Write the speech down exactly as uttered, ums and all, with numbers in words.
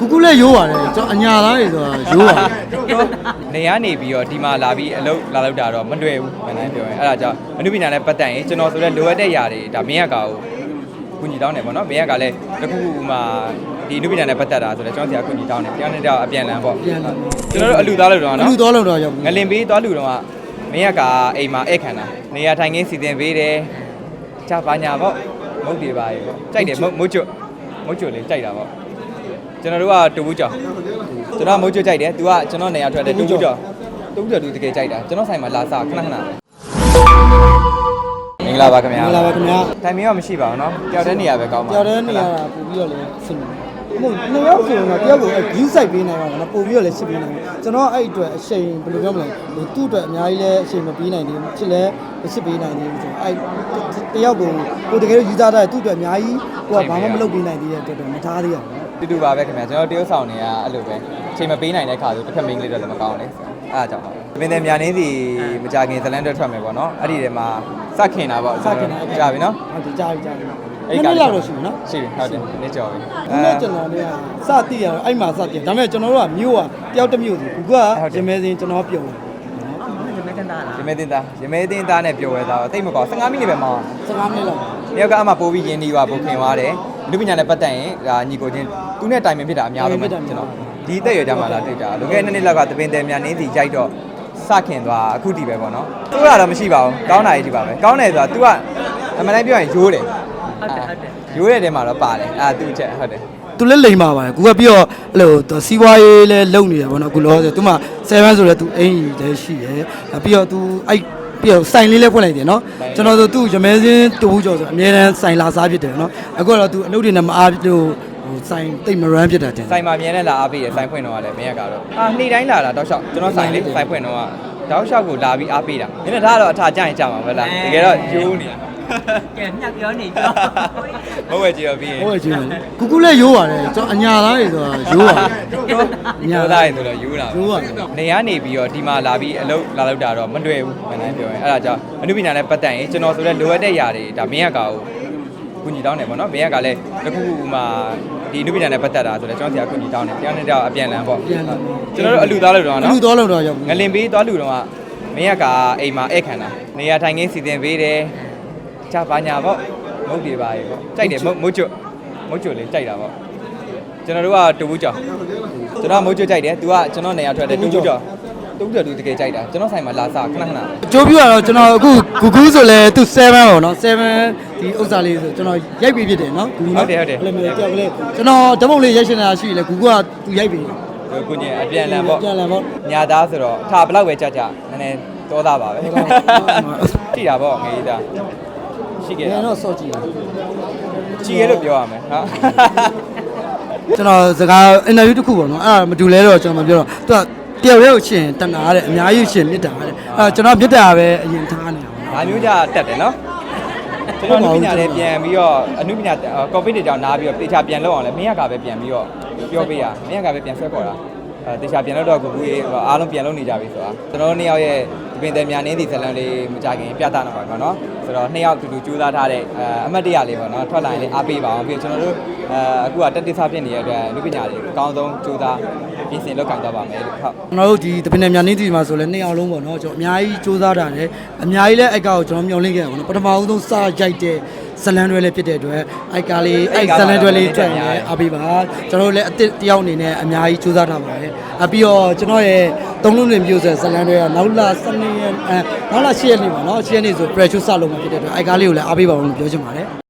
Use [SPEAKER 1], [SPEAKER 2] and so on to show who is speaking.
[SPEAKER 1] ကူကူလည်းရိုးပါတယ်ကျွန်တော်အညာသားတွေဆိုတာရိုးပါတယ်
[SPEAKER 2] နေရနေပြီးတော့ဒီမှာလာပြီးအလုပ်လာလောက်တာတော့မတွေ့ဘူးမှန်တယ်ပြောရင်အဲ့ဒါကြောင့်အနုပညာနဲ့ပတ်သက်ရင်ကျွန်တော်ဆိုတဲ့လိုအပ်တဲ့ຢာတွေဒါမင်းရကောင်ကိုကုညီတောင်းတယ်ပေါ့နော်မင်းရကလည်းတခုခုမှဒီအနုပညာနဲ့ပတ်သက်တာဆိုတော့ကျွန်တော်ဆရာကုညီတောင်းတယ်တရားနဲ့တော့အပြန်လန်ပေါ့ကျွန်တော်တို့အလူသားလို့တော့နော်
[SPEAKER 1] အလူသားလို့တော့ရောက်
[SPEAKER 2] ငလင်ပေးသွားလူတော့မင်းရကအိမ်မှာဧည့်ခံတာနေရာထိုင်ခင်းစီစဉ်ပေးတယ်ချပါညာပေါ့မုတ်တွေပါရေပေါ့ကြိုက်တယ်မုတ်မုတ်ကျွတ်မုတ်ကျွတ်လေးကြိုက်တာပေါ့ကျွန်တော်တို့ကတူဘူးကြောင်ကျွန်တော်မုတ်ကျွတ်ကြိုက်တယ်သူကကျွန်တော်နေရာထွက်တယ်တူဘူးကြောင်တူဘူးကြောင်သူတကယ်ကြိုက်တာကျွန်တော်ဆိုင်မှာလာစားခဏခဏမင်္ဂလာပါခင်ဗျာ
[SPEAKER 1] မင်္ဂလာပါခင်ဗျာ
[SPEAKER 2] တိုင်မင်းရောမရှိပါဘူးเนาะတယောက်တည်းနေရာပဲကောင်းပါ
[SPEAKER 1] တယောက်တည်းနေရာပို့ပြီးတော့လည်းဆင်တယ်မဟုတ်နှစ်ယောက်ဆိုတော့တယောက်ကို view site ပေးနိုင်ပါတော့ပို့ပြီးတော့လည်းရှင်းပေးနိုင်တယ်ကျွန်တော်အဲ့အတွက်အချိန်ဘယ်လိုပြောမလဲဟိုသူ့အတွက်အများကြီးလည်းအချိန်မပေးနိုင်သေးဘူးချစ်လည်းရှင်းပေးနိုင်သေးဘူးဆိုတော့အဲ့တယောက်ကိုကိုတကယ်လို့ယူသားတာသူ့အတွက်အများကြီးကိုကဘာမှမလုပ်ပေးနိုင်သေးတဲ့အတွက်တော့မထားသေးရဘူး
[SPEAKER 2] တူတူပါပဲခင်ဗျာကျွန်တော်တရုတ်ဆောင်နေရအဲ့လိုပဲအချိန်မပေးနိုင်တဲ့ခါဆိုတစ်ခါမင်းကလေးတော့လည်းမကောင်းလေအဲ့ဒါကြောင့်ပါတပင်တဲ့မြန်နေစီမကြခင်ဇလန်တွက်ထွက်မယ်ပေါ့နော်အဲ့ဒီထဲမှာစခင်တာပေါ့
[SPEAKER 1] စခင်တာ
[SPEAKER 2] ကြာပြီနော်
[SPEAKER 1] ဟုတ်တယ်ကြာပြီကြာပြီအဲ့ဒီလောက်တော့ရှိပြီနော်
[SPEAKER 2] ရှိပြီဟုတ်တယ်နေ့ကျော်ပြီ
[SPEAKER 1] အဲ့ကျွန်တော်လည်းစတိရတော့အဲ့မှာစတိဒါပေမဲ့ကျွန်တော်တို့ကမြို့ကတယောက်တစ်မြို့စီကူကရမဲစင်းကျွန်တော်ပြုံး
[SPEAKER 2] ရမဲတင်သားရမဲတင်သားနဲ့ပြော်ဝဲသားတိတ်မကောဆယ်ငါးမိနစ်ပဲမောင်း
[SPEAKER 1] ဆယ်ငါးမိနစ်လောက်
[SPEAKER 2] တယောက်ကအမှပိုးပြီးရင်းနှီးပါပိုခင်သွားတယ်လူပညာနဲ့ပတ်သက်ရင်ဒါညီကိုချင်းသူနဲ့တိုင်ပင်ဖြစ်တာအများဆုံးပဲကျွန်တော်ဒီတက်ရကြမှာလားတွေ့ကြလွန်ခဲ့တဲ့နှစ်နှစ်လောက်ကတပင်တယ်မြန်နေစီကြိုက်တော့စခင်သွားအခုတည်ပဲပေါ့နော်သူကတော့မရှိပါဘူးကောင်းတာကြီးဒီပါပဲကောင်းတယ်ဆိုတာ तू ကအမှန်တမ်းပြောရင်ရိုးတယ်ဟုတ်တယ်ဟုတ်တယ်ရိုးတဲ့တဲမှာတော့ပါတယ်အာ तू ချက်ဟုတ်တယ်
[SPEAKER 1] သူလည်းလိမ်ပါပါတယ်ကိုကပြီးတော့အဲ့လိုစီးပွားရေးလည်းလုပ်နေတယ်ပေါ့နော်အခုလောဆိုသူမှဆယ်ဘန်းဆိုတော့သူအင်ကြီးလည်းရှိတယ်ပြီးတော့သူအဲ့ပြီးတော့စိုင်လေးလည်းဖွင့်လိုက်တယ်နော်ကျွန်တော်ဆိုသူရမဲစင်းတူဘူးကျော်ဆိုအများတန်းစိုင်လာစားဖြစ်တယ်နော်အခုတော့သူအလုပ်တွေနဲ့မအားလို့ဟိုစိုင်တိတ်မရမ်းဖြစ်တာတင်
[SPEAKER 2] စိုင်မှာမြင်နဲ့လာအားပေးတယ်စိုင်ဖွင့်တော့လည်းမင်းရကတော့အာနေ့တိုင်းလာတာတောက်လျှောက်ကျွန်တော်စိုင်လေးစိုင်ဖွင့်တော့တောက်လျှောက်ကိုလာပြီးအားပေးတာမင်းတို့ဒါကတော့အထာကြရင်ကြမှာပဲလားတကယ်တော့ကျိုးနေတာ
[SPEAKER 3] ကဲမြတ်ပြောနေပြော
[SPEAKER 2] မဟုတ်ဝဲကြည့်တော့ပြီးရင်
[SPEAKER 1] ဟုတ်ဝဲကြည့်တယ်ကူကူလည်းရိုးပါတယ်ကျွန်တော်အညာသားတွေဆိုတာရိုးပါတယ်
[SPEAKER 2] အညာသားတွေဆိုတော့ရိုးတာ
[SPEAKER 1] ရိုးပါတယ်
[SPEAKER 2] နေရနေပြီးတော့ဒီမှာလာပြီးအလုပ်လာလောက်တာတော့မတွေ့ဘူးမှန်တယ်ပြောရင်အဲ့ဒါကြောင့်အနုပညာနဲ့ပတ်သက်ရင်ကျွန်တော်ဆိုတဲ့လိုအပ်တဲ့ຢာတွေဒါမင်းရကောင်ကိုကုညီတောင်းတယ်ပေါ့နော်မင်းရကလည်းတခုခုမှဒီအနုပညာနဲ့ပတ်သက်တာဆိုတော့ကျွန်တော်ဆရာကုညီတောင်းတယ်တရားနဲ့တော့အပြန်လန်ပေါ့ကျွန်တော်တို့အလူသားလို့တော့နော်
[SPEAKER 1] အလူသားလို့တော့ရောက်
[SPEAKER 2] ငလင်ပေးသွားလူတော့မင်းရကအိမ်မှာဧည့်ခံတာနေရာထိုင်ခင်းစီစဉ်ပေးတယ်ချပါညာပေါ့မုတ်တွေပါရေပေါ့ကြိုက်တယ်မုတ်မုတ်ကျွတ်မုတ်ကျွတ်လေးကြိုက်တာပေါ့ကျွန်တော်တို့ကတူဘူးကြောင်ကျွန်တော်မုတ်ကျွတ်ကြိုက်တယ်သူကကျွန်တော်နေရာထွက်တယ်တူဘူးကြောင်တူဘူးကြောင်သူတကယ်ကြိုက်တာကျွန်တော်ဆိုင်မှာလာစားခဏခဏ
[SPEAKER 1] အကျိုးပြတော့ကျွန်တော်အခုဂူဂူဆိုလဲသူ7ပေါ့နော်7ဒီဥစ္စာလေးဆိုကျွန်တော်ရိုက်ပြီးဖြစ်တယ်နော်ဂူ
[SPEAKER 2] ဟုတ်တယ်ဟုတ်တယ်
[SPEAKER 1] အဲ့လိုမျိုးကြောက်ကလေးကျွန်တော်ဓမုတ်လေးရိုက်ရှင်တာရှိလေဂူကသူရိုက်ပြီး
[SPEAKER 2] ကိုညင်အပြန်လန်ပေါ့
[SPEAKER 1] ပြန်လန်ပေါ့
[SPEAKER 2] ညာသားဆိုတော့ထားဘလောက်ပဲကြကြနည်းနည်းတောသားပါပဲကြည့်တာပေါ့ငေးသားရှိခဲ့
[SPEAKER 1] တယ်တော့စော့ကြည့်
[SPEAKER 2] ကြည့်ရလို့ပြောရမယ်ဟာ
[SPEAKER 1] ကျွန်တော်စကားအင်တာဗျူးတစ်ခုပေါ့နော်အဲ့ဒါမတူလဲတော့ကျွန်တော်မပြောတော့သူကတယောက်ရဲ့ကိုရှင်တနာတဲ့အများကြီးရှင်မြစ်တာတဲ့အဲ့ကျွန်တော်မြစ်တာပဲအရင်ထားနေတာ
[SPEAKER 2] ပေါ့ဒါမျိုးကြတက်တယ်နော်ကျွန်တော်အနုပညာလေးပြန်ပြီးတော့အနုပညာကော်ပီတွေကြောင့်နားပြီးတော့တေချာပြန်လောက်အောင်လဲမင်းရကပဲပြန်ပြီးတော့ပြောပေးရမင်းရကပဲပြန်ဆွဲခေါ်တာအဲတေချာပြန်လောက်တော့ကိုကူကြီးအားလုံးပြန်လုပ်နေကြပြီဆိုတာကျွန်တော်တို့နှစ်ယောက်ရဲ့ဒီပင်တယ်မြန်နေသည့်ဇလန်လေးမကြခင်ပြသတော့ပါတော့เนาะဆိုတော့နှစ်ယောက်တူတူကြိုးစားထားတဲ့အမတ်တရလေးပေါ့เนาะထွက်လာရင်လည်းအားပေးပါအောင်ပြီးကျွန်တော်တို့အဲအခုကတက်တိစားဖြစ်နေတဲ့အတွက်လူပညာတွေအကောင်းဆုံးကြိုးစားပြင်ဆင်လုပ်ကင်တော့ပါမယ်လို့ဟုတ်
[SPEAKER 1] ကျွန်တော်တို့ဒီဒီပင်တယ်မြန်နေသည့်မှာဆိုလဲနှစ်ယောက်လုံးပေါ့เนาะကျွန်တော်အများကြီးကြိုးစားတာတယ်အများကြီးလဲအိုက်ကောက်ကျွန်တော်မျှော်လင့်ခဲ့တာပေါ့เนาะပထမဆုံးစရိုက်တဲ့ဇလန်တွေလည်းဖြစ်တဲ့အတွက်အိုက်ကာလေးအိုက်ဇလန်တွေလေးထွက်နေအားပေးပါကျွန်တော်တို့လည်းအစ်တယောက်အနေနဲ့အများကြီးကြိုးစားထားပါတယ်အပြီးတော့ကျွန်တော်ရဲ့သုံးလုံးတွင်မျိုးဆက်ဇလန်တွေကနောက်လာစနေရက်အဲနောက်လာ၈ရက်နေပါเนาะ၈ရက်နေဆို pressure စလုံးမှာဖြစ်တဲ့အတွက်အိုက်ကာလေးကိုလည်းအားပေးပါအောင်လို့ပြောချင်ပါတယ်